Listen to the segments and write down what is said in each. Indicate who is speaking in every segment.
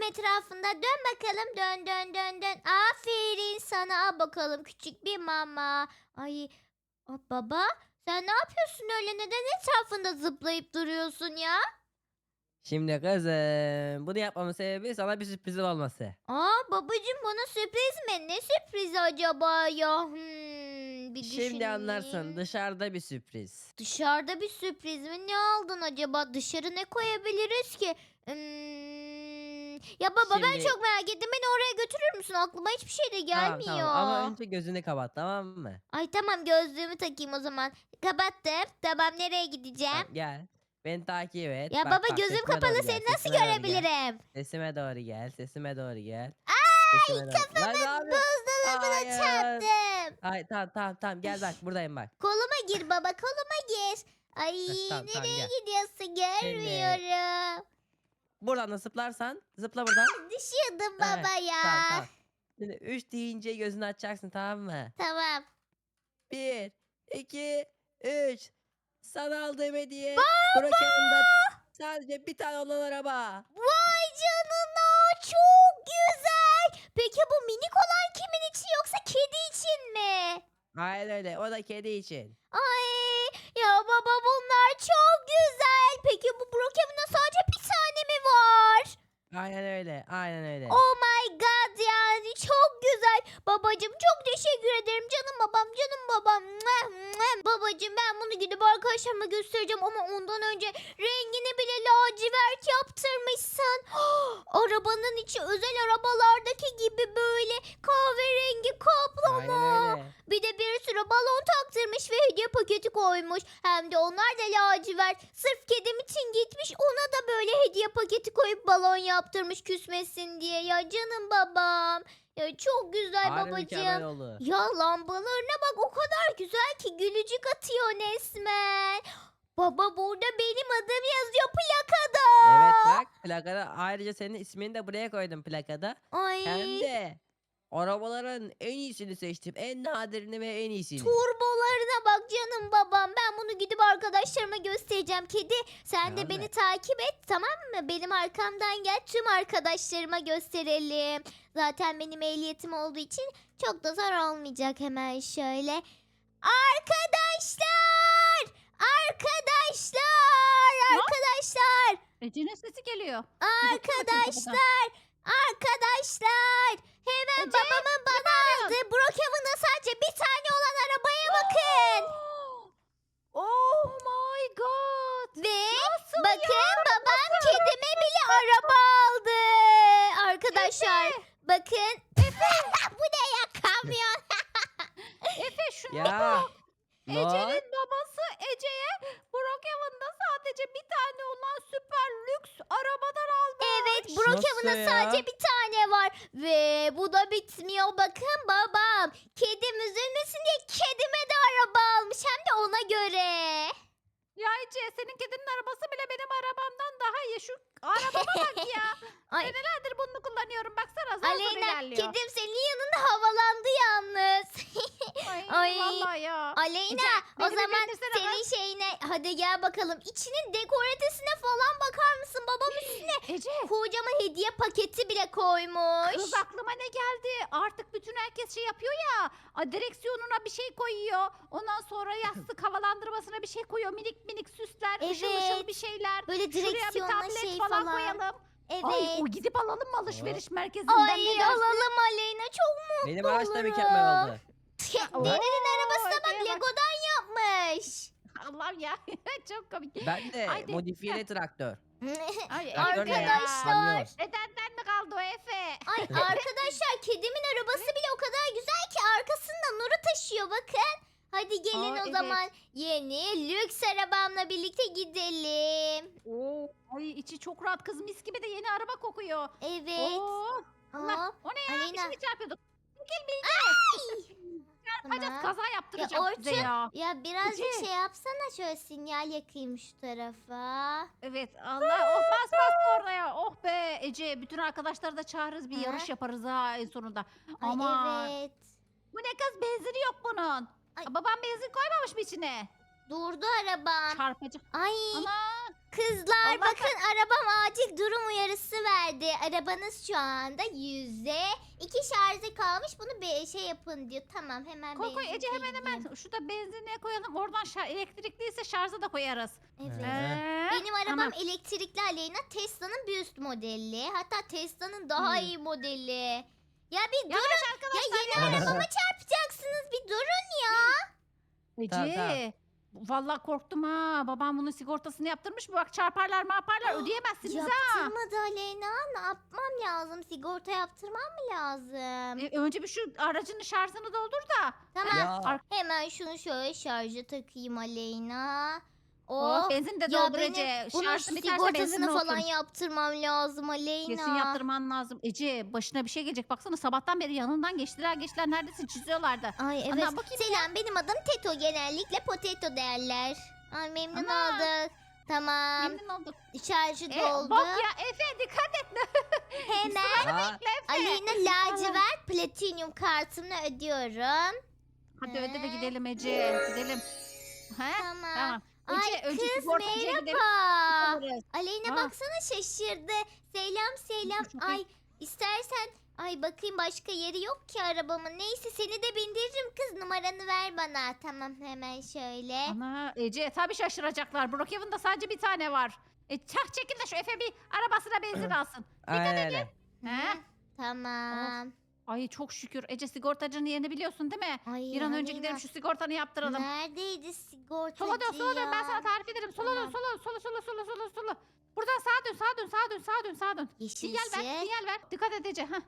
Speaker 1: etrafında. Dön bakalım. Dön dön dön dön. Aferin sana. Al bakalım küçük bir mama. Ay baba sen ne yapıyorsun öyle? Neden etrafında zıplayıp duruyorsun ya?
Speaker 2: Şimdi kızım bunu yapmamın sebebi sana bir sürprizim olması.
Speaker 1: Babacığım bana sürpriz mi? Ne sürprizi acaba ya? Bir
Speaker 2: Şimdi anlarsın,
Speaker 1: düşüneyim.
Speaker 2: dışarıda bir sürpriz.
Speaker 1: Dışarıda bir sürpriz mi? Ne aldın acaba? Dışarı ne koyabiliriz ki? Ya baba ben
Speaker 2: Şimdi
Speaker 1: çok merak ettim. Beni oraya götürür müsün? Aklıma hiçbir şey de
Speaker 2: tamam ama
Speaker 1: gelmiyor.
Speaker 2: önce gözünü kapat, tamam mı?
Speaker 1: Ay tamam gözlüğümü takayım o zaman. Kapattım. Tamam nereye gideceğim?
Speaker 2: Tamam, gel. Beni takip et.
Speaker 1: Ya
Speaker 2: Bak
Speaker 1: baba
Speaker 2: bak,
Speaker 1: gözüm
Speaker 2: sesime
Speaker 1: kapalı
Speaker 2: doğru gel.
Speaker 1: seni nasıl
Speaker 2: Sesime doğru gel.
Speaker 1: görebilirim?
Speaker 2: Sesime doğru gel. Sesime doğru gel.
Speaker 1: Ay
Speaker 2: Sesime doğru. Lan ne
Speaker 1: kafamı
Speaker 2: yapıyorsun?
Speaker 1: buzdolabına
Speaker 2: Hayır.
Speaker 1: çarptım.
Speaker 2: Hayır, tamam gel bak, buradayım bak.
Speaker 1: Koluma gir baba koluma gir. Ay
Speaker 2: Tamam
Speaker 1: nereye
Speaker 2: gel.
Speaker 1: gidiyorsun
Speaker 2: Şimdi
Speaker 1: görmüyorum.
Speaker 2: buradan da zıplarsan zıpla buradan.
Speaker 1: Düşüyordum
Speaker 2: Evet,
Speaker 1: baba
Speaker 2: tamam.
Speaker 1: ya.
Speaker 2: Şimdi 3 deyince gözünü açacaksın, tamam mı?
Speaker 1: Tamam.
Speaker 2: Bir, 2, 3. Sana aldığım hediye
Speaker 1: Baba!
Speaker 2: Brookhaven'da sadece bir tane olan araba.
Speaker 1: Vay canına çok güzel. Peki bu minik olan kimin için yoksa kedi için mi?
Speaker 2: Aynen öyle. O da kedi için.
Speaker 1: Ay ya baba bunlar çok güzel. Peki bu Brookhaven'da sadece bir tane mi var?
Speaker 2: Aynen öyle. Aynen öyle.
Speaker 1: Oh my god yani çok güzel. Babacım çok teşekkür ederim canım babam canım babam. Mwah, mwah. Babacım ben bunu gidip arkadaşlarıma göstereceğim ama ondan önce rengini bile lacivert yaptırmışsın. Arabanın içi özel arabalardaki gibi böyle kahverengi
Speaker 2: Aynen
Speaker 1: kaplama.
Speaker 2: öyle.
Speaker 1: Bir de bir sürü balon taktırmış ve hediye paketi koymuş. Hem de onlar da lacivert. Sırf kedim için gitmiş ona da böyle hediye paketi koyup balon yaptırmış küsmesin diye. Ya canım babam. Ya çok güzel
Speaker 2: Harbi mükemmel
Speaker 1: babacığım.
Speaker 2: oldu.
Speaker 1: Ya lambalarına bak o kadar güzel ki gülücük atıyor resmen. Baba burada benim adım yazıyor plakada.
Speaker 2: Evet bak, plakada ayrıca senin ismini de buraya koydum plakada. Hem
Speaker 1: Ay.
Speaker 2: de arabaların en iyisini seçtim. En nadirini ve en iyisini.
Speaker 1: Turbolarına bak canım babam. Ben bunu gidip arkadaşlarıma göstereceğim. Kedi sen de
Speaker 2: Tamam
Speaker 1: beni
Speaker 2: mı?
Speaker 1: takip et tamam mı? Benim arkamdan gel tüm arkadaşlarıma gösterelim. Zaten benim ehliyetim olduğu için çok da zor olmayacak hemen şöyle. Arkadaşlar! Arkadaşlar!
Speaker 3: Ne?
Speaker 1: Arkadaşlar!
Speaker 3: Ece'nin sesi geliyor. Bir bakayım bakayım kapıdan.
Speaker 1: Arkadaşlar! Arkadaşlar! Hemen
Speaker 3: Ece,
Speaker 1: babamın bana aldığı Brookhaven'da sadece bir tane olan arabaya bakın.
Speaker 3: Oh my god.
Speaker 1: Ve
Speaker 3: Nasıl
Speaker 1: bakın
Speaker 3: ya?
Speaker 1: babam
Speaker 3: Nasıl?
Speaker 1: kedime bile araba aldı. Arkadaşlar bakın. Bu ne ya kamyon?
Speaker 3: Efe şunu
Speaker 2: Ya. Ne?
Speaker 3: Ece'nin babası Ece'ye Brookhaven'da sadece bir tane olan süper lüks arabadan almış.
Speaker 1: Evet
Speaker 2: Nasıl
Speaker 1: Brookhaven'da
Speaker 2: ya?
Speaker 1: sadece bir tane var. Ve bu da bitmiyor. Bakın babam kedim üzülmesin diye kedime de araba almış. Hem de ona göre.
Speaker 3: Ya Ece senin kedinin arabası bile benim arabamdan daha iyi. Şu arabama bak ya.
Speaker 1: Ay
Speaker 3: Senelerdir bunu kullanıyorum. Baksana zar zor
Speaker 1: Aleyna
Speaker 3: ilerliyor.
Speaker 1: kedim senin yanında havalandı yalnız.
Speaker 3: Ay,
Speaker 1: Ay.
Speaker 3: vallahi ya.
Speaker 1: Aleyna
Speaker 3: Ece,
Speaker 1: o
Speaker 3: beni bir
Speaker 1: zaman
Speaker 3: bindirsene
Speaker 1: senin şeyine hadi gel bakalım. İçinin dekoratesine falan bakar mısın? Babam üstüne
Speaker 3: Ece.
Speaker 1: kocaman hediye paketi bile koymuş.
Speaker 3: Kız aklıma ne geldi? Artık bütün herkes şey yapıyor ya. Direksiyonuna bir şey koyuyor. Ondan sonra yastık havalandırmasına bir şey koyuyor. Minik minik süsler, ışıl ışıl
Speaker 1: Evet.
Speaker 3: bir şeyler.
Speaker 1: Böyle
Speaker 3: Şuraya bir
Speaker 1: direksiyonla
Speaker 3: tablet
Speaker 1: şey
Speaker 3: falan,
Speaker 1: falan.
Speaker 3: koyalım.
Speaker 1: Evet.
Speaker 3: Ay o gidip alalım mı alışveriş merkezinden, ne
Speaker 1: Ay
Speaker 3: dersin?
Speaker 1: alalım Aleyna çok mutlu
Speaker 2: Benim araç da
Speaker 1: olurum.
Speaker 2: mükemmel oldu.
Speaker 1: Dedenin arabasına bak
Speaker 3: Efe'ye bak.
Speaker 1: Lego'dan yapmış.
Speaker 3: Allah'ım ya. Çok komik.
Speaker 2: Ben de
Speaker 3: Haydi.
Speaker 2: modifiyeli traktör.
Speaker 3: Ay
Speaker 2: Traktör ne ya?
Speaker 1: Arkadaşlar.
Speaker 2: Kamyon.
Speaker 3: Dedenden mi kaldı o Efe?
Speaker 1: Ay arkadaşlar kedimin arabası bile o kadar güzel ki arkasında Nur'u taşıyor bakın. Hadi gelin
Speaker 3: Aa,
Speaker 1: o
Speaker 3: evet.
Speaker 1: zaman yeni lüks arabamla birlikte gidelim.
Speaker 3: Oo, ay içi çok rahat kız, mis gibi de yeni araba kokuyor.
Speaker 1: Evet.
Speaker 3: Oo, Allah,
Speaker 1: Hop.
Speaker 3: o ne ya?
Speaker 1: Aleyna.
Speaker 3: Bir şey çarpıyorduk. Çarpacağız,
Speaker 1: Tamam.
Speaker 3: kaza yaptıracağım size
Speaker 1: Orçun,
Speaker 3: ya.
Speaker 1: ya birazcık
Speaker 3: Ece.
Speaker 1: şey yapsana şöyle sinyal yakayım şu tarafa.
Speaker 3: Evet Allah, oh bas bas oraya. Oh be Ece, bütün arkadaşları da çağırırız, bir
Speaker 1: Ha?
Speaker 3: yarış yaparız ha en sonunda.
Speaker 1: Ay
Speaker 3: Ama
Speaker 1: evet.
Speaker 3: bu ne kız, benzini yok bunun.
Speaker 1: Ay.
Speaker 3: Babam benzin koymamış mı içine?
Speaker 1: Durdu arabam.
Speaker 3: Çarpacak.
Speaker 1: Ay
Speaker 3: Ana.
Speaker 1: kızlar
Speaker 3: Allah
Speaker 1: bakın arabam acil durum uyarısı verdi. Arabanız şu anda %2 şarjı kalmış. Bunu bir şey yapın diyor. Tamam hemen
Speaker 3: Koy
Speaker 1: benzin
Speaker 3: Ece hemen
Speaker 1: koyayım.
Speaker 3: şurada benzinliğe koyalım. Oradan elektrikliyse şarja da koyarız.
Speaker 1: Evet.
Speaker 2: Ee?
Speaker 1: Benim arabam
Speaker 3: Tamam.
Speaker 1: elektrikli Aleyna. Tesla'nın bir üst modeli. Hatta Tesla'nın daha
Speaker 3: Hmm.
Speaker 1: iyi modeli. Ya bir
Speaker 3: Yavaş
Speaker 1: durun. Ya
Speaker 3: arkadaşlar.
Speaker 1: yeni arabama çarpacaksınız. Bir durun ya.
Speaker 2: Tamam, tamam.
Speaker 3: Ece. Vallahi korktum ha. Babam bunun sigortasını yaptırmış mı? Bak çarparlar marparlar ödeyemezsiniz ha.
Speaker 1: Yaptırmadı Aleyna. Ne yapmam lazım? Sigorta yaptırmam mı lazım?
Speaker 3: Önce bir şu aracın şarjını doldur da.
Speaker 1: Tamam.
Speaker 2: Ya.
Speaker 1: Hemen şunu şöyle şarja takayım Aleyna.
Speaker 3: Oh,
Speaker 1: Oh.
Speaker 3: benzin de
Speaker 1: Ya
Speaker 3: doldur
Speaker 1: benim
Speaker 3: Ece.
Speaker 1: bunun
Speaker 3: Şarjın biterse benzinle
Speaker 1: sigortasını falan
Speaker 3: otur.
Speaker 1: yaptırmam lazım Aleyna.
Speaker 3: Kesin yaptırman lazım. Ece başına bir şey gelecek. Baksana sabahtan beri yanından geçtiler neredeyse çiziyorlardı.
Speaker 1: Ay evet.
Speaker 3: Ana, bakayım
Speaker 1: Selam benim adım Teto, genellikle Potato derler. Ay memnun
Speaker 3: Ana.
Speaker 1: olduk. Tamam.
Speaker 3: Memnun olduk.
Speaker 1: Şarjı doldu.
Speaker 3: Bak ya Efe dikkat et.
Speaker 1: Hemen
Speaker 2: Aa,
Speaker 1: Aleyna lacivert platinyum kartımla ödüyorum.
Speaker 3: Hadi öde de gidelim Ece. Gidelim. He?
Speaker 1: Tamam.
Speaker 3: Tamam.
Speaker 1: Ay
Speaker 3: Ece önce
Speaker 1: kız
Speaker 3: sigortacıya gidelim.
Speaker 1: merhaba.
Speaker 3: Alırız.
Speaker 1: Aleyna
Speaker 3: Aa.
Speaker 1: baksana şaşırdı. Selam selam.
Speaker 3: Çok iyi.
Speaker 1: Ay istersen ay bakayım başka yeri yok ki arabamın. Neyse seni de bindiririm kız, numaranı ver bana. Tamam hemen şöyle.
Speaker 3: Ana Ece tabii şaşıracaklar. Brookhaven'da sadece bir tane var. Çekil de şu Efe bir arabasına benzin alsın.
Speaker 2: aynen öyle.
Speaker 3: He?
Speaker 1: Hı, Tamam.
Speaker 3: Ay çok şükür. Ece sigortacının yerini biliyorsun değil mi?
Speaker 1: Ay,
Speaker 3: Bir an önce
Speaker 1: Aleyna,
Speaker 3: gidelim şu sigortanı yaptıralım.
Speaker 1: neredeydi sigortacı
Speaker 3: Sola dön sola dön ben sana
Speaker 1: ya?
Speaker 3: tarif ederim. Sola dön
Speaker 1: Tamam.
Speaker 3: sola. Buradan sağa dön sağa dön sağa dön sağa dön sağa dön.
Speaker 1: Yeşil
Speaker 3: Sinyal ver
Speaker 1: ışık.
Speaker 3: sinyal ver. Dikkat et Ece. Heh.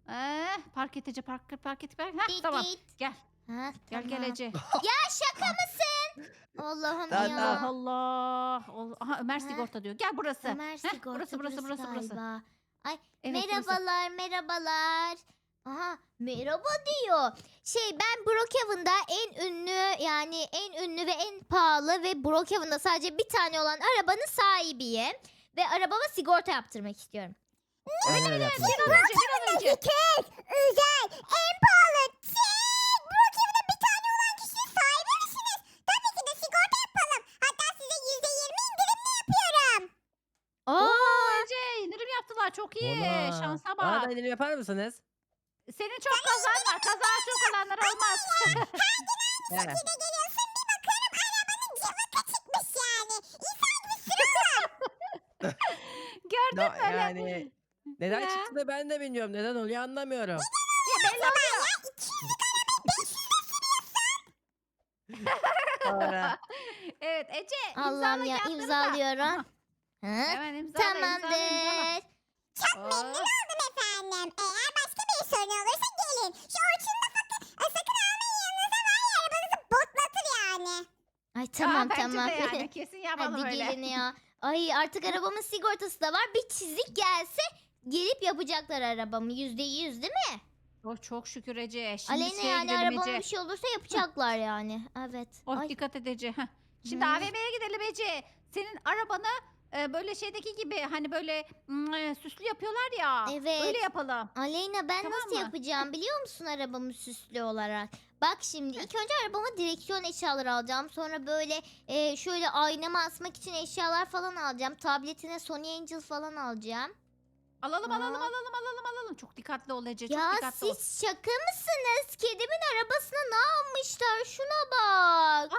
Speaker 3: Park et Ece park et. Heh,
Speaker 1: Dit
Speaker 3: tamam
Speaker 1: dit.
Speaker 3: gel.
Speaker 1: Ha,
Speaker 3: Gel
Speaker 1: tamam.
Speaker 3: Ece.
Speaker 1: Ya şaka mısın? Allah'ım
Speaker 2: Tamam,
Speaker 1: ya.
Speaker 3: Allah Allah. Aha Ömer
Speaker 1: Ha.
Speaker 3: sigorta diyor. Gel burası.
Speaker 1: Ömer
Speaker 3: Heh,
Speaker 1: sigorta
Speaker 3: burası.
Speaker 1: galiba. Ay
Speaker 3: Evet, burası.
Speaker 1: merhabalar merhabalar. Aha merhaba diyor. Ben Brookhaven'da en ünlü, yani en ünlü ve en pahalı ve Brookhaven'da sadece bir tane olan arabanın sahibiyim. Ve arabama sigorta yaptırmak istiyorum.
Speaker 2: Aynen öyle yapın.
Speaker 3: Bir an önce.
Speaker 1: özel, en pahalı, Brookhaven'da bir tane olan kişinin sahibi misiniz? Tabii ki de sigorta yapalım. Hatta size %20 indirimli yapıyorum.
Speaker 3: Oo Ece indirim yaptılar. Çok iyi.
Speaker 2: Valla.
Speaker 3: Şansa
Speaker 2: Bana
Speaker 3: bak.
Speaker 2: da indirim yapar mısınız?
Speaker 3: Senin çok kazan var. Kaza çok olanlar olmaz.
Speaker 2: He.
Speaker 1: Geliyorsun bir bakıyorum arabanın camı kaçıkmış yani.
Speaker 3: Gördün mü öyle?
Speaker 2: Yani neden
Speaker 3: Ya.
Speaker 2: çıktı da ben de bilmiyorum. Neden oluyor anlamıyorum.
Speaker 3: Ya belli oluyor.
Speaker 2: Sonra
Speaker 3: Evet Ece
Speaker 1: Allah'ım ya
Speaker 3: kağıtları da.
Speaker 1: imzalıyorum. Hı?
Speaker 3: Hemen imzala.
Speaker 1: Tamamdır.
Speaker 3: Çok memnun
Speaker 1: oldum efendim. Eğer başka bir sorun olursa gelin. Şu Orçun'u da sakın almayın yanınıza, var ya arabanızı botlatır yani. Ay tamam tamam.
Speaker 3: Yani kesin yapalım
Speaker 1: Hadi
Speaker 3: öyle.
Speaker 1: gelin ya. Ay artık arabamın sigortası da var. Bir çizik gelse gelip yapacaklar arabamı. %100 değil mi?
Speaker 3: Oh, çok şükür Ece. Şimdi
Speaker 1: Aleyna
Speaker 3: şeye
Speaker 1: yani
Speaker 3: gidelim
Speaker 1: arabama
Speaker 3: Ece.
Speaker 1: bir şey olursa yapacaklar yani. Evet.
Speaker 3: Oh
Speaker 1: Ay.
Speaker 3: dikkat et Ece. Heh. Şimdi
Speaker 1: Hı.
Speaker 3: AVM'ye gidelim Ece. Senin arabanı böyle şeydeki gibi hani böyle süslü yapıyorlar ya.
Speaker 1: Evet.
Speaker 3: Öyle yapalım.
Speaker 1: Aleyna ben
Speaker 3: Tamam
Speaker 1: nasıl
Speaker 3: mı?
Speaker 1: yapacağım biliyor musun arabamı süslü olarak? Bak şimdi ilk önce arabama direksiyon eşyaları alacağım. Sonra böyle şöyle aynama asmak için eşyalar falan alacağım. Tabletine Sony Angel falan alacağım.
Speaker 3: Alalım
Speaker 1: Aa.
Speaker 3: alalım. Çok dikkatli ol Ece. Çok
Speaker 1: Ya
Speaker 3: dikkatli ol.
Speaker 1: siz şaka mısınız? Kedimin arabasına ne yapmışlar? Şuna bak.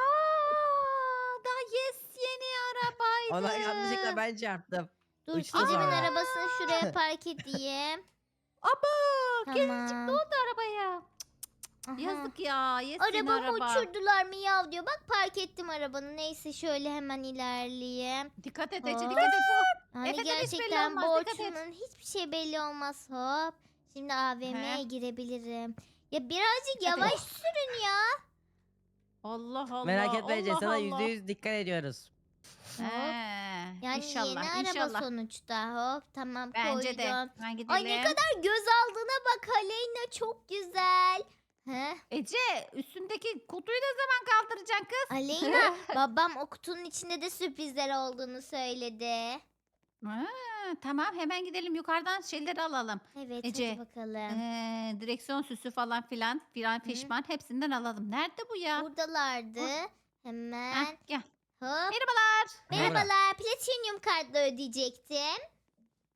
Speaker 3: Daha yeni arabaydı.
Speaker 2: ona yanlışlıkla ben çarptım.
Speaker 1: Dur
Speaker 2: uçtu
Speaker 1: kedimin
Speaker 2: sonra.
Speaker 1: arabasını şuraya park edeyim.
Speaker 3: Aba gezincik
Speaker 1: Tamam.
Speaker 3: ne oldu arabaya?
Speaker 1: Aha.
Speaker 3: Yazık ya. Yesin
Speaker 1: Arabamı
Speaker 3: araba.
Speaker 1: uçurdular miyav diyor. Bak park ettim arabanı. Neyse şöyle hemen ilerleyeyim.
Speaker 3: Dikkat et Ece
Speaker 1: Hop.
Speaker 3: dikkat et.
Speaker 1: Yani
Speaker 3: Efe'den hiç belli
Speaker 1: gerçekten
Speaker 3: olmaz, dikkat et.
Speaker 1: borçlumun hiçbir şey belli olmaz. Hop. Şimdi AVM'ye
Speaker 3: He.
Speaker 1: girebilirim. Ya birazcık
Speaker 3: Hadi.
Speaker 1: yavaş sürün ya.
Speaker 3: Allah Allah.
Speaker 2: Merak etme Ece
Speaker 3: Allah
Speaker 2: sana
Speaker 3: Allah.
Speaker 2: %100 dikkat ediyoruz.
Speaker 3: He,
Speaker 1: Yani
Speaker 3: inşallah,
Speaker 1: yeni araba
Speaker 3: inşallah.
Speaker 1: sonuçta. Hop tamam
Speaker 3: Bence de.
Speaker 1: koydum.
Speaker 3: Ben gidelim.
Speaker 1: Ay ne kadar göz aldığına bak Aleyna, çok güzel. He?
Speaker 3: Ece üstündeki kutuyu ne zaman kaldıracaksın kız?
Speaker 1: Aleyna babam o kutunun içinde de sürprizler olduğunu söyledi.
Speaker 3: Ha, tamam hemen gidelim yukarıdan şeyleri alalım.
Speaker 1: Evet
Speaker 3: Ece,
Speaker 1: hadi bakalım.
Speaker 3: Direksiyon süsü falan filan fişman hepsinden alalım. Nerede bu ya?
Speaker 1: Buradalardı. Hemen.
Speaker 3: Gel.
Speaker 1: Hop.
Speaker 3: Merhabalar.
Speaker 1: Merhabalar. Platinum kartla ödeyecektim.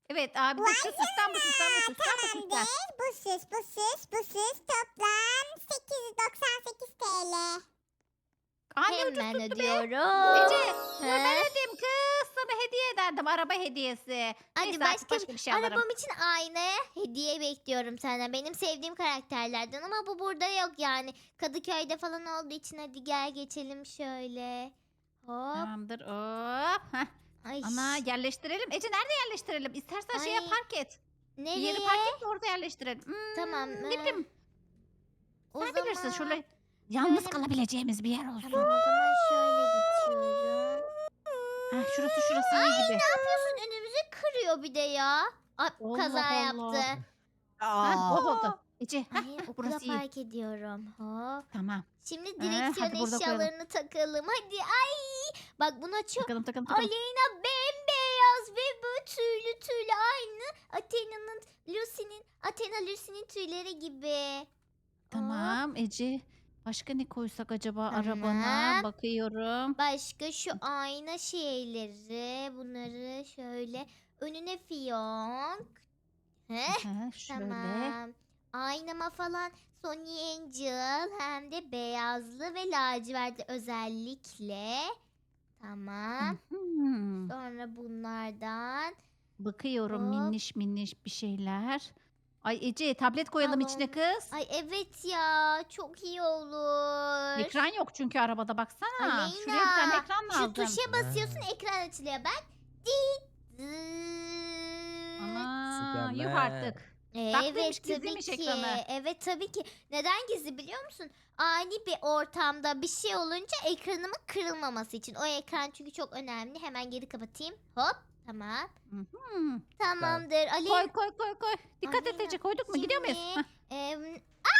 Speaker 3: Evet abi de şu süsten bu süsten bu süsten bu süsten.
Speaker 4: Tamamdır. Bu süs toplam 898 TL.
Speaker 3: Anne ucuz
Speaker 1: Hemen
Speaker 3: tuttu be.
Speaker 1: ödüyorum.
Speaker 3: Ece dur
Speaker 1: He?
Speaker 3: ben ödeyeyim kız. Sana hediye ederdim araba hediyesi.
Speaker 1: Hadi
Speaker 3: Neyse artık
Speaker 1: başka
Speaker 3: bir şey alırım.
Speaker 1: arabam için aynaya hediye bekliyorum senden. Benim sevdiğim karakterlerden ama bu burada yok yani. Kadıköy'de falan olduğu için hadi gel geçelim şöyle. Hop.
Speaker 3: Tamamdır hop. Heh.
Speaker 1: Ay.
Speaker 3: Ana yerleştirelim. Ece nerede yerleştirelim? İstersen şeye
Speaker 1: Ay,
Speaker 3: park et. Bir
Speaker 1: Nereye?
Speaker 3: yeri park et de orada yerleştirelim.
Speaker 1: Tamam,
Speaker 3: Ne bileyim.
Speaker 1: O
Speaker 3: Sen bilirsin
Speaker 1: zaman-
Speaker 3: şöyle yalnız
Speaker 1: şöyle-
Speaker 3: kalabileceğimiz bir yer olsun.
Speaker 1: Tamam o zaman şöyle geçiyorum.
Speaker 3: Şurası iyi gibi.
Speaker 1: Ne yapıyorsun? Önümüzü kırıyor bir de ya. Ay,
Speaker 3: Allah
Speaker 1: kaza
Speaker 3: Allah.
Speaker 1: yaptı.
Speaker 3: Ha, bol oldu. Ece
Speaker 1: Ay, okula
Speaker 3: burası iyi.
Speaker 1: park ediyorum. Hop.
Speaker 3: Tamam.
Speaker 1: Şimdi
Speaker 3: hadi
Speaker 1: direksiyon
Speaker 3: burada koyalım.
Speaker 1: eşyalarını takalım. Hadi ay. Bak buna çok
Speaker 3: Takalım.
Speaker 1: Aleyna bembeyaz ve böyle tüylü tüylü aynı Athena Lucy'nin tüyleri gibi. Hop.
Speaker 3: Tamam Ece. Başka ne koysak acaba
Speaker 1: Tamam.
Speaker 3: arabana? Bakıyorum.
Speaker 1: Başka şu ayna şeyleri bunları şöyle önüne fiyonk. Heh,
Speaker 3: Ha, şöyle.
Speaker 1: tamam. Aynama falan Sony Angel hem de beyazlı ve lacivertli özellikle. Tamam.
Speaker 3: Hmm.
Speaker 1: Sonra bunlardan.
Speaker 3: Bakıyorum
Speaker 1: Hop.
Speaker 3: minniş bir şeyler. Ay Ece tablet koyalım
Speaker 1: Tamam.
Speaker 3: içine kız.
Speaker 1: Ay evet ya çok iyi olur.
Speaker 3: Ekran yok çünkü arabada baksana.
Speaker 1: Aleyna,
Speaker 3: Şuraya bir tane ekran lazım.
Speaker 1: Şu tuşa basıyorsun ekran açılıyor bak. Dit,
Speaker 3: Ana, yuh
Speaker 2: Süpermen.
Speaker 3: artık. Tatlıymış,
Speaker 1: Evet tabii
Speaker 3: gizliymiş
Speaker 1: ki.
Speaker 3: ekranı.
Speaker 1: Evet tabii ki. Neden gizli biliyor musun? Ani bir ortamda bir şey olunca ekranımın kırılmaması için. O ekran çünkü çok önemli. Hemen geri kapatayım. Hop. Tamam.
Speaker 3: Mhm.
Speaker 1: Tamamdır. Ali.
Speaker 3: Koy. Dikkat et
Speaker 1: Aleyna,
Speaker 3: Ece koyduk mu? Gidiyor muyuz?
Speaker 1: şimdi,
Speaker 3: Heh.
Speaker 1: em,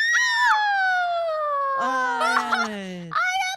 Speaker 2: Ay.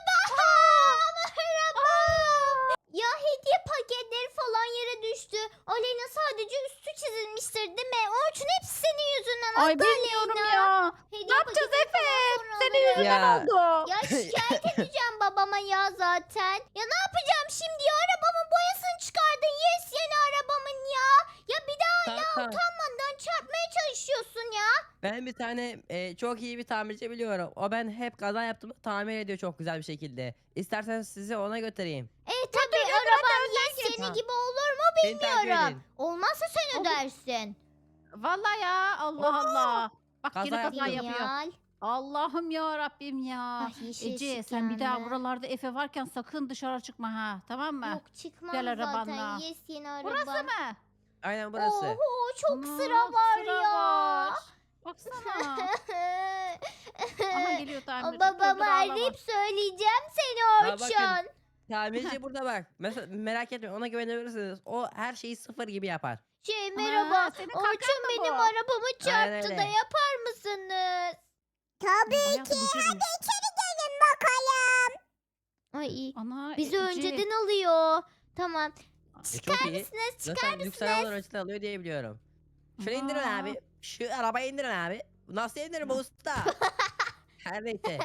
Speaker 1: Araba. Ya hediye paketleri falan yere düştü. Aleyna sadece üstü çizilmiştir değil mi? Orçun hepsi senin yüzünden.
Speaker 3: Ay
Speaker 1: Hatta
Speaker 3: bilmiyorum
Speaker 1: Aleyna.
Speaker 3: ya.
Speaker 1: Hediye
Speaker 3: Ne yapacağız
Speaker 1: paketleri
Speaker 3: Efe?
Speaker 1: falan sonra
Speaker 3: Senin
Speaker 1: alırım.
Speaker 3: yüzünden
Speaker 2: Ya.
Speaker 3: oldu.
Speaker 1: Ya şikayet edeceğim babama ya zaten. Ya ne yapacağım şimdi ya? Arabamın boyasını çıkardın. Yes yeni arabamın ya. Ya bir daha
Speaker 2: Tamam.
Speaker 1: utanmadan çarpmaya çalışıyorsun ya.
Speaker 2: Ben bir tane çok iyi bir tamirci biliyorum. O ben hep kaza yaptığımda tamir ediyor çok güzel bir şekilde. İsterseniz sizi ona götüreyim.
Speaker 1: Tabii arabam yes yeni
Speaker 2: Tamam.
Speaker 1: gibi olur mu
Speaker 2: Beni takip
Speaker 1: bilmiyorum.
Speaker 2: edin.
Speaker 1: Olmazsa sen
Speaker 3: Olur.
Speaker 1: ödersin.
Speaker 3: Vallahi ya Allah Allah. Bak
Speaker 2: Kaza
Speaker 3: yine kaza
Speaker 2: yaptım.
Speaker 3: yapıyor.
Speaker 1: Genial.
Speaker 3: Allah'ım ya Rabbim ya.
Speaker 1: Ay, yeşil
Speaker 3: Ece
Speaker 1: ışık
Speaker 3: sen bir daha
Speaker 1: yandı.
Speaker 3: buralarda Efe varken sakın dışarı çıkma ha. Tamam mı?
Speaker 1: Yok çıkmam
Speaker 3: Gel
Speaker 1: zaten.
Speaker 3: arabanla.
Speaker 1: Yes yeni arabam.
Speaker 3: Burası mı?
Speaker 2: Aynen burası.
Speaker 1: Oho çok
Speaker 3: Ana,
Speaker 1: sıra var
Speaker 3: sıra
Speaker 1: ya.
Speaker 3: var. Baksana. Aha geliyor tamirci.
Speaker 1: Babama arayıp söyleyeceğim seni
Speaker 2: Ya bakın.
Speaker 1: Orçun.
Speaker 2: Tamirci burada bak. Mesela merak etmeyin ona güvenebilirsiniz. O her şeyi sıfır gibi yapar.
Speaker 1: Merhaba.
Speaker 3: senin
Speaker 1: Orçun
Speaker 3: kankan mı
Speaker 1: benim
Speaker 3: bu?
Speaker 1: arabamı çarptı
Speaker 2: öyle.
Speaker 1: da yapar mısınız?
Speaker 4: Tabii ki.
Speaker 3: Hadi
Speaker 4: İçeri gelin bakalım.
Speaker 1: Ay
Speaker 3: Ana
Speaker 1: bizi
Speaker 3: Ece.
Speaker 1: önceden alıyor. Tamam.
Speaker 2: Çok iyi.
Speaker 1: Mısınız? Çıkar
Speaker 2: Zaten lüks
Speaker 1: mısınız?
Speaker 2: arabalar önceden alıyor diye biliyorum. Şöyle indirin
Speaker 3: Aa.
Speaker 2: abi. Şu arabayı indirin abi. Nasıl indiririm usta? Her neyse.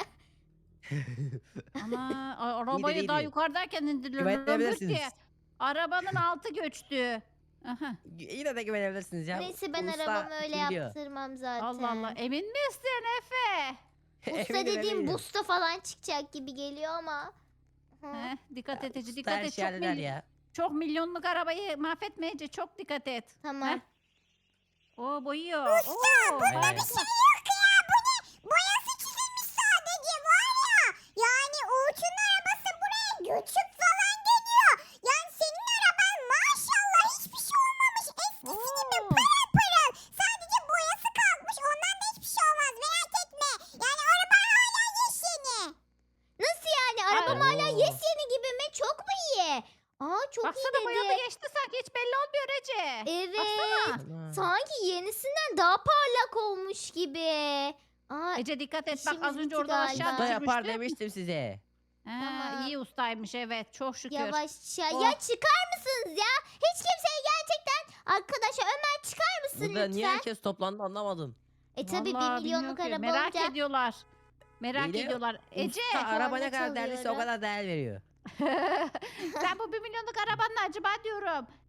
Speaker 3: Ana arabayı daha
Speaker 2: iyiydi.
Speaker 3: yukarıdayken indiriyorum.
Speaker 2: Güvenebilirsiniz.
Speaker 3: Ki arabanın altı göçtü. Aha.
Speaker 2: Yine de güvenebilirsiniz ya.
Speaker 1: Neyse ben
Speaker 2: Usta
Speaker 1: arabamı öyle
Speaker 2: biliyor.
Speaker 1: yaptırmam zaten.
Speaker 3: Allah Allah emin misin Efe?
Speaker 1: Busta
Speaker 2: Eminim,
Speaker 1: dediğim
Speaker 2: eminim.
Speaker 1: busta falan çıkacak gibi geliyor ama. Hı.
Speaker 3: Dikkat et Ece
Speaker 2: Usta
Speaker 3: dikkat
Speaker 2: her
Speaker 3: et.
Speaker 2: şeyi halleder ya.
Speaker 3: Çok milyonluk arabayı mahvetme Ece çok dikkat et.
Speaker 1: Tamam.
Speaker 3: Heh. O boyuyor. Oo,
Speaker 2: Aynen.
Speaker 3: harika.
Speaker 4: Yok ya bu ne? Boyası çizilmiş sadece var ya. Yani Orçun'un arabası buraya göçük falan geliyor. Yani senin araban maşallah hiçbir şey olmamış. Eskisi gibi
Speaker 3: Oo.
Speaker 4: pırıl pırıl. Sadece boyası kalkmış. Ondan da hiçbir şey olmaz. Merak etme. Yani araban hala yeşeni.
Speaker 1: Nasıl yani? Arabam
Speaker 2: Ay.
Speaker 1: hala
Speaker 2: Oo.
Speaker 1: yes yeni gibi mi? Çok mu iyi? Aa çok
Speaker 3: Baksana
Speaker 1: iyi
Speaker 3: boyadı
Speaker 1: dedi.
Speaker 3: geçti sanki hiç belli olmuyor Ece.
Speaker 1: Evet.
Speaker 3: Baksana.
Speaker 2: Ana.
Speaker 1: Sanki yenisinden daha parlak olmuş gibi. Aa,
Speaker 3: Ece dikkat et bak az
Speaker 1: İşimiz
Speaker 3: önce
Speaker 1: bitti
Speaker 3: oradan
Speaker 1: galiba.
Speaker 3: aşağı
Speaker 2: Usta yapar
Speaker 3: düşürmüştü.
Speaker 2: demiştim size.
Speaker 1: Tamam.
Speaker 3: İyi ustaymış evet çok şükür.
Speaker 1: yavaşça.
Speaker 3: Oh.
Speaker 1: Ya çıkar mısınız ya? Hiç kimseye gerçekten. Arkadaşlar Ömer çıkar mısın
Speaker 2: Burada
Speaker 1: lütfen?
Speaker 2: niye herkes toplandı anlamadım.
Speaker 1: Tabii
Speaker 3: Vallahi
Speaker 1: 1 milyonluk
Speaker 3: bilmiyorum ki.
Speaker 1: araba
Speaker 3: Merak
Speaker 1: olunca.
Speaker 3: ediyorlar. Merak
Speaker 2: İyi de
Speaker 3: ediyorlar. Ece
Speaker 2: Usta araba
Speaker 1: korna
Speaker 2: ne kadar değerliyse o
Speaker 1: çalıyorum.
Speaker 2: kadar değer veriyor.
Speaker 3: sen bu 1 milyonluk arabanla acaba diyorum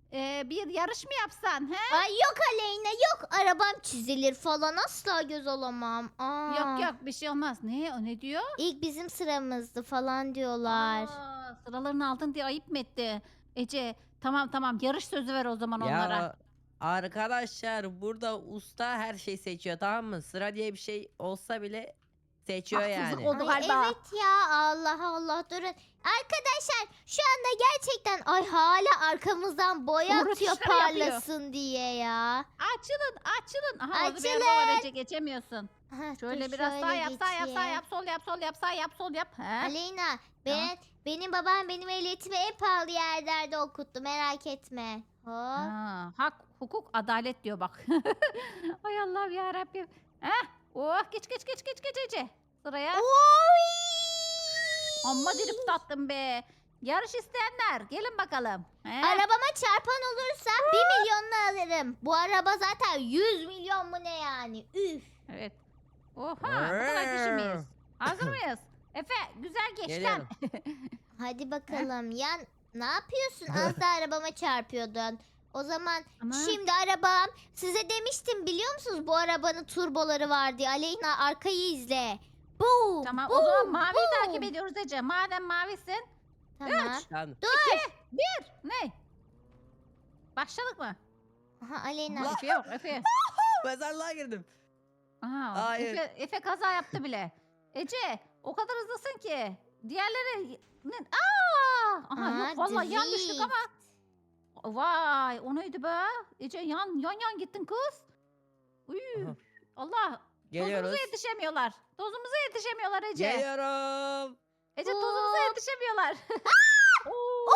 Speaker 3: bir yarış mı yapsan? He?
Speaker 1: Ay yok Aleyna yok. Arabam çizilir falan asla göz alamam. Aa,
Speaker 3: Yok yok bir şey olmaz. Ne o ne diyor?
Speaker 1: İlk bizim sıramızdı falan diyorlar.
Speaker 3: Sıralarını aldın diye ayıp mı etti? Ece tamam tamam yarış sözü ver o zaman onlara.
Speaker 2: Ya arkadaşlar burada usta her şeyi seçiyor, tamam mı? Sıra diye bir şey olsa bile seçiyor
Speaker 3: Haksızlık
Speaker 2: yani.
Speaker 3: oldu.
Speaker 1: Ay,
Speaker 3: galiba.
Speaker 1: evet ya Allah Allah durun. Arkadaşlar şu anda gerçekten ay hala arkamızdan boya
Speaker 3: Doğru
Speaker 1: atıyor
Speaker 3: tuşları yapıyor.
Speaker 1: parlasın diye ya.
Speaker 3: Açılın açılın. Aha orada bir
Speaker 1: Açılın.
Speaker 3: araba var Ece geçemiyorsun.
Speaker 1: Heh,
Speaker 3: Şöyle
Speaker 1: dur
Speaker 3: biraz sağ
Speaker 1: şöyle
Speaker 3: yap sağ yap sağ
Speaker 1: geçeyim.
Speaker 3: yap sol yap sol yap sağ yap sol yap. He?
Speaker 1: Aleyna benim babam benim ehliyetimi en pahalı yerlerde okuttu merak etme. Hop.
Speaker 3: Hak, hukuk, adalet diyor bak. Ay Allah'ım ya Rabbim. Heh. Oh geç geç geç geç geç Ece. Sıraya.
Speaker 1: Oy!
Speaker 3: Amma dirip tattım be. Yarış isteyenler gelin bakalım. He?
Speaker 1: Arabama çarpan olursa 1 milyonunu alırım. Bu araba zaten 100 milyon mu ne yani? Üf.
Speaker 3: Evet. Oha bu kadar kişi miyiz? Hazır mıyız? Efe güzel geç lan.
Speaker 2: Geliyorum.
Speaker 1: Hadi bakalım. Ya ne yapıyorsun? Az da arabama çarpıyordun. O zaman
Speaker 3: Ama
Speaker 1: şimdi arabam size demiştim biliyor musunuz bu arabanın turboları var diye. Aleyna arkayı izle. Boom.
Speaker 3: tamam o
Speaker 1: boom,
Speaker 3: zaman maviyi
Speaker 1: boom.
Speaker 3: takip ediyoruz Ece. Madem mavisin.
Speaker 1: Tamam.
Speaker 2: Tamam.
Speaker 1: Dur.
Speaker 3: Ne? Başladık mı?
Speaker 1: Aha, Aleyna.
Speaker 3: Efe yok Efe.
Speaker 2: Mezarlığa girdim.
Speaker 3: Aha,
Speaker 2: Hayır.
Speaker 3: Efe kaza yaptı bile. Ece o kadar hızlısın ki. Diğerleri ne? Aa! Aha
Speaker 1: Aa,
Speaker 3: yok vallahi yan düştük
Speaker 1: drift.
Speaker 3: ama. Vay o neydi be? Ece yan gittin kız. Uy,
Speaker 2: Aha.
Speaker 3: Allah
Speaker 2: Geliyoruz.
Speaker 3: tozumuza yetişemiyorlar. Tozumuza yetişemiyorlar Ece.
Speaker 2: Geliyorum.
Speaker 3: Ece tozumuza
Speaker 1: Hop.
Speaker 3: yetişemiyorlar. Oo.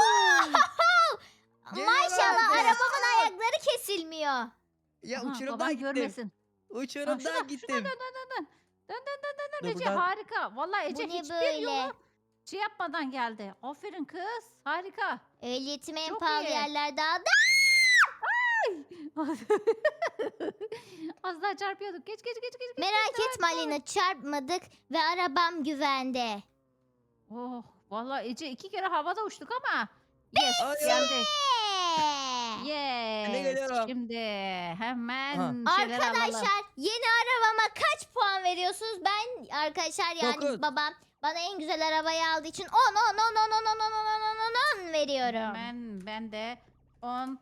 Speaker 1: Maşallah
Speaker 2: Geliyorum.
Speaker 1: arabamın ayakları kesilmiyor.
Speaker 2: Ya
Speaker 3: Aha,
Speaker 2: uçurumdan
Speaker 3: baban
Speaker 2: gittim.
Speaker 3: görmesin. Ha,
Speaker 2: Uçurumdan
Speaker 3: şuna
Speaker 2: gittim.
Speaker 3: dön. Dön
Speaker 2: Dur,
Speaker 3: Ece
Speaker 2: buradan-
Speaker 3: harika. Vallahi Ece
Speaker 1: Bu ne
Speaker 3: hiçbir
Speaker 1: böyle?
Speaker 3: yolu şey yapmadan geldi. Aferin kız. Harika.
Speaker 1: Ehliyetimi en
Speaker 3: Çok
Speaker 1: pahalı
Speaker 3: iyi.
Speaker 1: yerlerde aldım.
Speaker 3: Az daha çarpıyorduk. Geç.
Speaker 1: Merak etme Aleyna çarpmadık ve arabam güvende.
Speaker 3: Oh, vallahi Ece 2 kere havada uçtuk ama. Yes,
Speaker 2: Ay,
Speaker 3: geldik.
Speaker 1: Eee!
Speaker 2: Ben de
Speaker 3: Yes.
Speaker 2: geliyorum.
Speaker 3: Şimdi hemen
Speaker 2: Aha.
Speaker 3: şeyleri alalım.
Speaker 1: Arkadaşlar yeni arabama kaç puan veriyorsunuz? Ben arkadaşlar yani
Speaker 2: Dokuz.
Speaker 1: babam bana en güzel arabayı aldığı için 10 veriyorum.
Speaker 3: Hemen ben de 10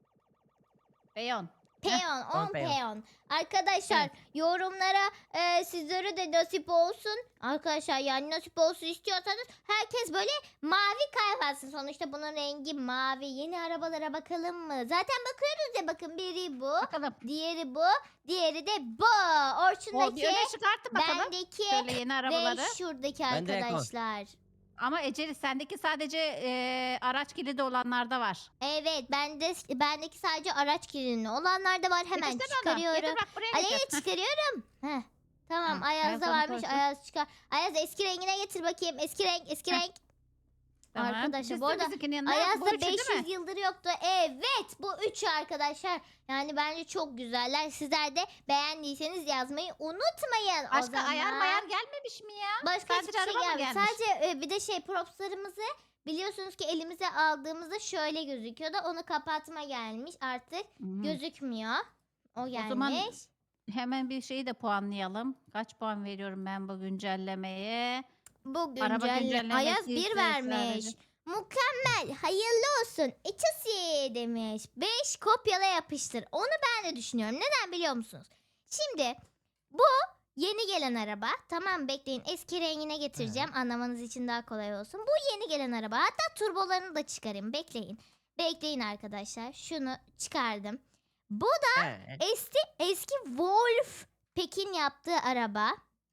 Speaker 3: ve 10.
Speaker 1: Peyon 10
Speaker 2: on peyon.
Speaker 1: peyon. Arkadaşlar yorumlara sizlere de nasip olsun. Arkadaşlar yani nasip olsun istiyorsanız herkes böyle mavi kalp alsın. Sonuçta bunun rengi mavi. Yeni arabalara bakalım mı? Zaten bakıyoruz ya bakın biri bu.
Speaker 3: Bakalım.
Speaker 1: Diğeri bu. Diğeri de bu.
Speaker 3: O bir
Speaker 1: Orçundaki,
Speaker 3: öne çıkarttı bakalım.
Speaker 1: bendeki
Speaker 3: Şöyle yeni
Speaker 1: ve
Speaker 3: arabaları.
Speaker 1: şuradaki
Speaker 2: Ben de Ekon.
Speaker 1: arkadaşlar.
Speaker 3: Ama Eceli sendeki sadece araç kilidi olanlarda var.
Speaker 1: Evet bendeki sadece araç kilidli olanlar da var. Hemen
Speaker 3: Getirsene onu.
Speaker 1: çıkarıyorum.
Speaker 3: Getir bak buraya
Speaker 1: Aleyna
Speaker 3: getir.
Speaker 1: çıkarıyorum. Heh. Tamam
Speaker 3: Ha,
Speaker 1: Ayaz'da
Speaker 3: Ayaz onu
Speaker 1: varmış.
Speaker 3: koysun.
Speaker 1: Ayaz çıkar. Ayaz eski rengine getir bakayım. Eski renk.
Speaker 3: Tamam.
Speaker 1: Arkadaşlar, bu
Speaker 3: Dizdir
Speaker 1: arada
Speaker 3: bizimkinin yanına. Bu
Speaker 1: Ayaz'da
Speaker 3: üçü değil mi?
Speaker 1: 500 yıldır yoktu. Evet bu üçü arkadaşlar. Yani bence çok güzeller. Sizler de beğendiyseniz yazmayı unutmayın. O
Speaker 3: Başka
Speaker 1: zaman
Speaker 3: ayar mayar gelmemiş mi ya?
Speaker 1: başka
Speaker 3: Sadece
Speaker 1: hiçbir şey
Speaker 3: araba mı
Speaker 1: gelmedi.
Speaker 3: gelmiş?
Speaker 1: Sadece bir de propslarımızı biliyorsunuz ki elimize aldığımızda şöyle gözüküyordu. Onu kapatma gelmiş. Artık
Speaker 3: Hmm.
Speaker 1: gözükmüyor. O gelmiş.
Speaker 3: zaman Hemen bir şeyi de puanlayalım. Kaç puan veriyorum ben bu güncellemeye?
Speaker 1: Bu
Speaker 3: Araba güncellemesi
Speaker 1: Ayaz 1
Speaker 3: ise
Speaker 1: vermiş.
Speaker 3: sadece-
Speaker 1: Mükemmel. Hayırlı olsun. İçisi demiş. 5 kopyala yapıştır. Onu ben de düşünüyorum. Neden biliyor musunuz? Şimdi bu yeni gelen araba. Tamam bekleyin. Eski rengine getireceğim. Anlamanız için daha kolay olsun. Bu yeni gelen araba. Hatta turbolarını da çıkarayım. Bekleyin. Bekleyin arkadaşlar. Şunu çıkardım. Bu
Speaker 2: Evet.
Speaker 1: eski Wolf Pekin yaptığı araba.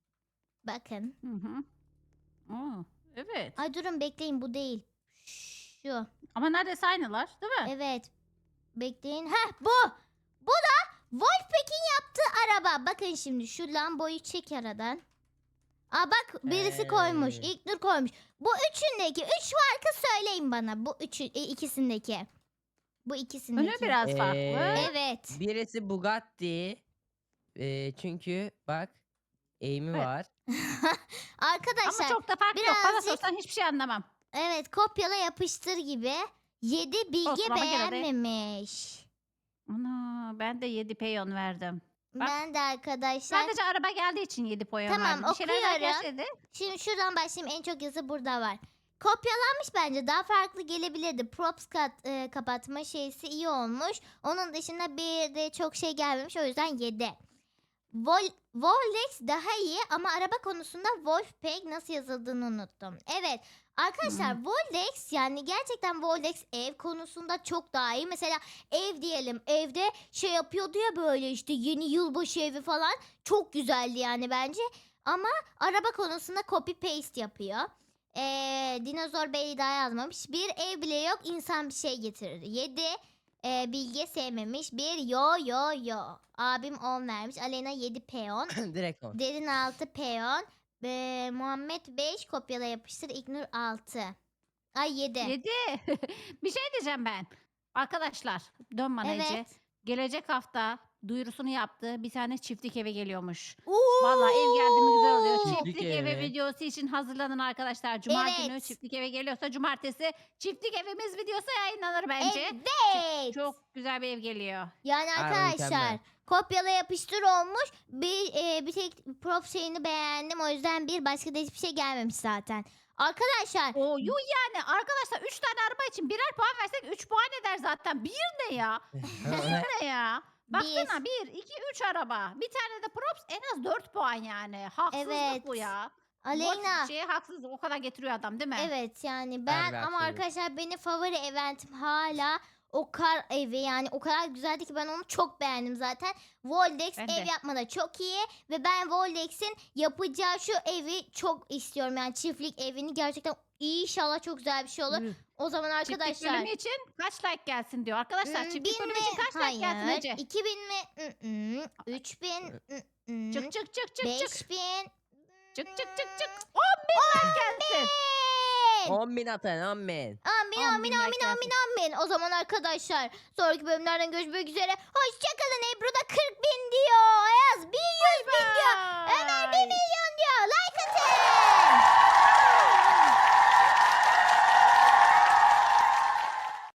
Speaker 1: Bakın.
Speaker 3: Hı hı. Oo, evet.
Speaker 1: Ay durun bekleyin bu değil. Şu.
Speaker 3: Ama neredeyse aynılar değil mi?
Speaker 1: Evet. Bekleyin. Heh bu. Bu da Wolfpack'in yaptığı araba. Bakın şimdi şu lamboyu çek aradan. Aa bak birisi koymuş. İlknur koymuş. Bu üçündeki. Üç farkı söyleyin bana. Bu ikisindeki. Bu ikisindeki.
Speaker 3: Önü biraz farklı.
Speaker 1: Evet.
Speaker 2: Birisi Bugatti. Çünkü bak eğimi
Speaker 3: Evet.
Speaker 2: var.
Speaker 3: Ama
Speaker 1: Arkadaşlar
Speaker 3: çok da farklı yok. Bana
Speaker 1: birazcık-
Speaker 3: sorsan hiçbir şey anlamam.
Speaker 1: evet kopyala yapıştır gibi. 7 Bilge
Speaker 3: Olsun ama gene de-
Speaker 1: beğenmemiş.
Speaker 3: Ana ben de 7 peyon verdim. Bak,
Speaker 1: Ben de arkadaşlar.
Speaker 3: Sadece araba geldiği için 7 peyon
Speaker 1: Tamam,
Speaker 3: verdim. Bir şeyler daha
Speaker 1: okuyorum.
Speaker 3: gelseydi.
Speaker 1: Şimdi şuradan başlayayım. En çok yazı burada var. Kopyalanmış bence. Daha farklı gelebilirdi. Props kapatma şeysi iyi olmuş. Onun dışında bir de çok şey gelmemiş. O yüzden 7. Vollex daha iyi ama araba konusunda Wolfpack nasıl yazıldığını unuttum. Evet. Arkadaşlar Vollex yani gerçekten Vollex ev konusunda çok daha iyi. Mesela ev diyelim. Evde şey yapıyordu ya böyle işte yeni yılbaşı evi falan. Çok güzeldi yani bence. Ama araba konusunda copy paste yapıyor. Dinozor Bey'i daha yazmamış. Bir ev bile yok, insan bir şey getirir. 7. Bilge sevmemiş. Bir yo. Abim 10 vermiş. Alena 7 peyon.
Speaker 2: Direkt on.
Speaker 1: Derin 6 peyon. Muhammed 5 kopyala yapıştır. İknur 6. Ay 7.
Speaker 3: 7. Bir şey diyeceğim ben. Arkadaşlar dön bana Ece.
Speaker 1: Evet.
Speaker 3: Gelecek hafta duyurusunu yaptı. Bir tane çiftlik eve geliyormuş.
Speaker 1: Oo!
Speaker 3: Vallahi ev geldi mi güzel oluyor.
Speaker 2: Çiftlik
Speaker 3: Çiftlik
Speaker 2: evi.
Speaker 3: evi videosu için hazırlanın arkadaşlar. Cuma günü
Speaker 1: Evet.
Speaker 3: çiftlik eve geliyorsa cumartesi çiftlik evimiz videosu yayınlanır bence.
Speaker 1: Evet.
Speaker 3: Çok güzel bir ev geliyor.
Speaker 1: Yani
Speaker 2: Harbi
Speaker 1: arkadaşlar
Speaker 2: mükemmel.
Speaker 1: kopyala yapıştır olmuş. Bir tek prop şeyini beğendim. O yüzden bir başka da hiçbir şey gelmemiş zaten. Arkadaşlar
Speaker 3: O yuh yani arkadaşlar 3 tane araba için birer puan versek 3 puan eder zaten. Bir ne ya? Ne ya? Baksana 1, 2, 3 araba. Bir tane de props en az 4 puan yani. Haksızlık
Speaker 1: Evet.
Speaker 3: bu ya.
Speaker 1: Aleyna.
Speaker 3: Bu şeye haksızlık o kadar getiriyor adam değil mi?
Speaker 1: Evet yani ben
Speaker 2: Harbi
Speaker 1: ama
Speaker 2: haksızlık.
Speaker 1: arkadaşlar benim favori eventim hala o kar evi yani o kadar güzeldi ki ben onu çok beğendim zaten. Voldex
Speaker 3: Ben
Speaker 1: ev
Speaker 3: de.
Speaker 1: yapmada çok iyi ve ben Voldex'in yapacağı şu evi çok istiyorum yani çiftlik evini gerçekten inşallah çok güzel bir şey olur.
Speaker 3: Üh.
Speaker 1: O zaman
Speaker 3: Çiftlik
Speaker 1: arkadaşlar
Speaker 3: bölümü için kaç like gelsin diyor. Arkadaşlar çiftlik
Speaker 1: 1000
Speaker 3: bölümü
Speaker 1: mi?
Speaker 3: için kaç like gelsin
Speaker 1: Hayır.
Speaker 3: Ece?
Speaker 1: 2000 mi? 3000.
Speaker 3: Çık çık çık çık çık.
Speaker 1: 5000.
Speaker 3: Çık çık çık çık. 10.000 like gelsin.
Speaker 2: 10.000 atın 10.000.
Speaker 1: Amin
Speaker 3: 10.000
Speaker 1: amin
Speaker 3: like
Speaker 1: amin
Speaker 3: gelsin.
Speaker 1: amin amin. O zaman arkadaşlar sonraki bölümlerden görüşmek üzere. Hoşçakalın. Ebru da 40.000 diyor. Ayaz 100 bin diyor. Ömer 1 milyon